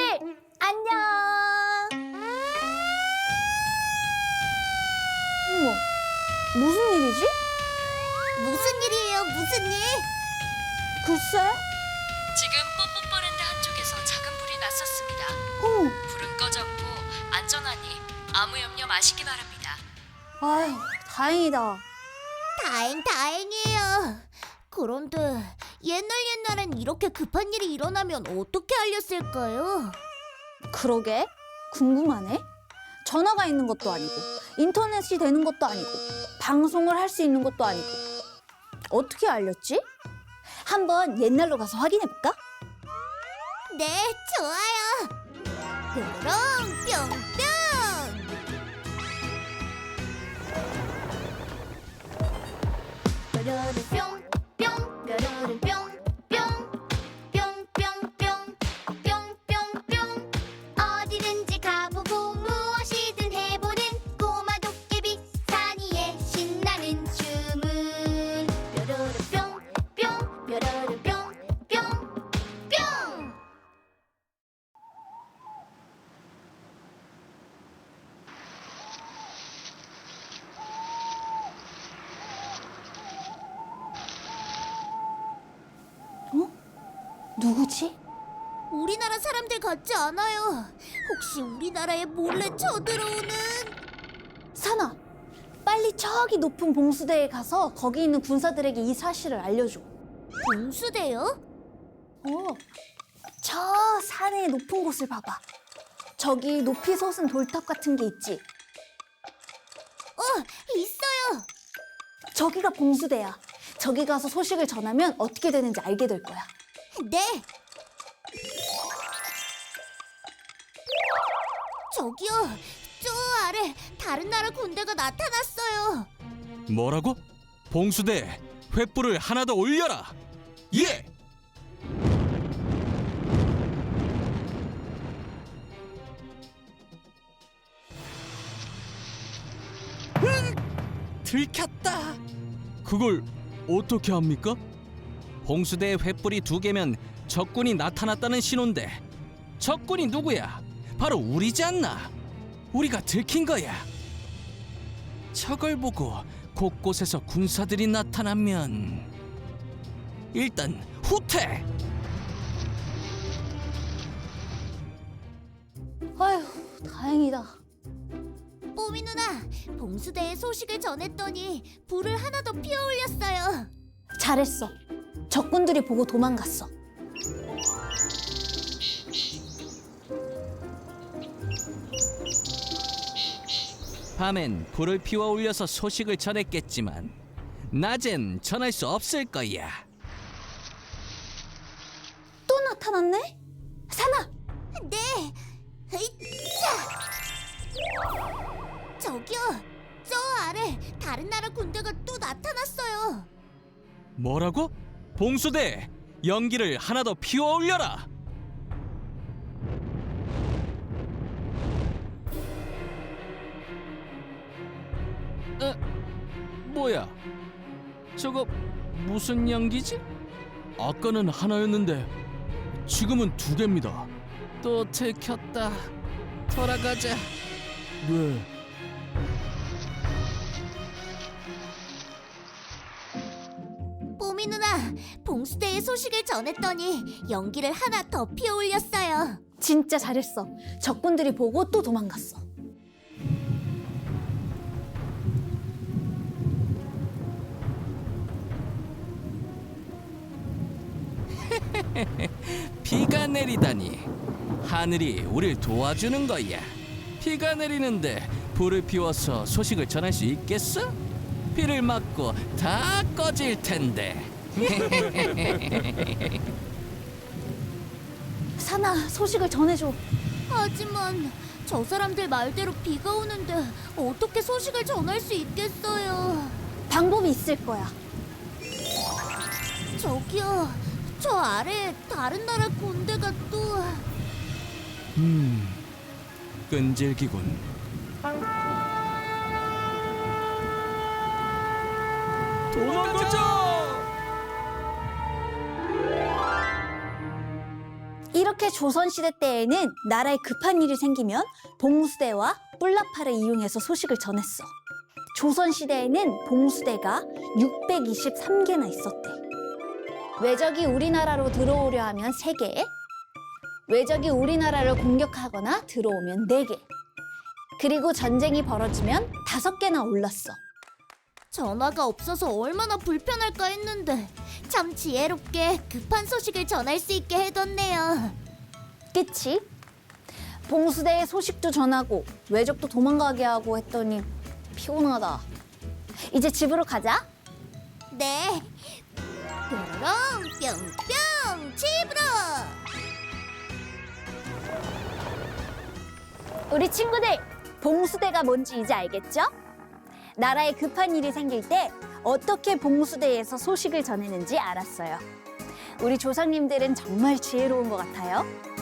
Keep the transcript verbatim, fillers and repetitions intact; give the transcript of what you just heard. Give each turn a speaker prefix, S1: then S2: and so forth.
S1: 안녕. 어머, 무슨 일이지?
S2: 무슨 일이에요? 무슨 일?
S1: 글쎄.
S3: 지금 뽀뽀뽀랜드 한쪽에서 작은 불이 났었습니다.
S1: 어머,
S3: 불은 꺼졌고 안전하니 아무 염려 마시기 바랍니다.
S1: 아휴, 다행이다.
S2: 다행 다행이에요. 그런데 옛날 옛날엔 이렇게 급한 일이 일어나면 어떻게 알렸을까요?
S1: 그러게, 궁금하네. 전화가 있는 것도 아니고, 인터넷이 되는 것도 아니고, 방송을 할 수 있는 것도 아니고. 어떻게 알렸지? 한번 옛날로 가서 확인해볼까?
S2: 네, 좋아요. 뾰롱 뿅뿅. 뾰로로 뿅, 뿅, 뾰로로 뿅, 뿅, 뿅뿅뿅, 뿅뿅뿅. 어디든지 가보고 무엇이든 해보는 꼬마 도깨비 사니의 신나는 주문. 뾰로로 뿅, 뿅, 뾰로로 뿅, 뿅, 뿅.
S1: 누구지?
S2: 우리나라 사람들 같지 않아요. 혹시 우리나라에 몰래 쳐들어오는?
S1: 사나, 빨리 저기 높은 봉수대에 가서 거기 있는 군사들에게 이 사실을 알려줘.
S2: 봉수대요?
S1: 어, 저 산의 높은 곳을 봐봐. 저기 높이 솟은 돌탑 같은 게 있지?
S2: 어, 있어요.
S1: 저기가 봉수대야. 저기 가서 소식을 전하면 어떻게 되는지 알게 될 거야.
S2: 네. 저기요, 저 아래 다른 나라 군대가 나타났어요.
S4: 뭐라고? 봉수대 횃불을 하나 더 올려라. 예. 들켰다. 그걸 어떻게 합니까? 봉수대에 횃불이 두 개면 적군이 나타났다는 신호인데 적군이 누구야? 바로 우리지 않나? 우리가 들킨 거야. 저걸 보고 곳곳에서 군사들이 나타나면 일단 후퇴!
S1: 아휴, 다행이다.
S2: 뽀미 누나, 봉수대에 소식을 전했더니 불을 하나 더 피워 올렸어요.
S1: 잘했어. 적군들이 보고 도망갔어.
S4: 밤엔 불을 피워 올려서 소식을 전했겠지만 낮엔 전할 수 없을 거야.
S1: 또 나타났네? 사나!
S2: 네. 으이차! 저기요, 저 아래 다른 나라 군대가 또 나타났어요.
S4: 뭐라고? 봉수대 연기를 하나 더 피워 올려라. 에? 뭐야? 저거 무슨 연기지? 아까는 하나였는데 지금은 두 개입니다. 또 들켰다. 돌아가자. 네.
S2: 뽀미 누나, 봉수대에 소식을 전했더니 연기를 하나 더 피워 올렸어요.
S1: 진짜 잘했어. 적군들이 보고 또 도망갔어.
S4: 비가 내리다니 하늘이 우릴 도와주는 거야. 비가 내리는데 불을 피워서 소식을 전할 수 있겠어? 비를 맞고 다 꺼질 텐데.
S1: 사나, 소식을 전해줘.
S2: 하지만 저 사람들 말대로 비가 오는데 어떻게 소식을 전할 수 있겠어요?
S1: 방법이 있을 거야.
S2: 저기요, 저 아래 다른 나라 군대가 또...
S4: 음, 끈질기군. 도망가자!
S1: 이렇게 조선시대 때에는 나라에 급한 일이 생기면 봉수대와 뿔나팔을 이용해서 소식을 전했어. 조선시대에는 봉수대가 육백이십삼 개나 있었대. 외적이 우리나라로 들어오려 하면 세 개, 외적이 우리나라를 공격하거나 들어오면 네 개, 그리고 전쟁이 벌어지면 다섯 개나 올랐어.
S2: 전화가 없어서 얼마나 불편할까 했는데 참 지혜롭게 급한 소식을 전할 수 있게 해뒀네요.
S1: 그치? 봉수대에 소식도 전하고 외적도 도망가게 하고 했더니 피곤하다. 이제 집으로 가자.
S2: 네. 뾰로롱 뿅뿅 집으로.
S1: 우리 친구들, 봉수대가 뭔지 이제 알겠죠? 나라에 급한 일이 생길 때 어떻게 봉수대에서 소식을 전했는지 알았어요. 우리 조상님들은 정말 지혜로운 것 같아요.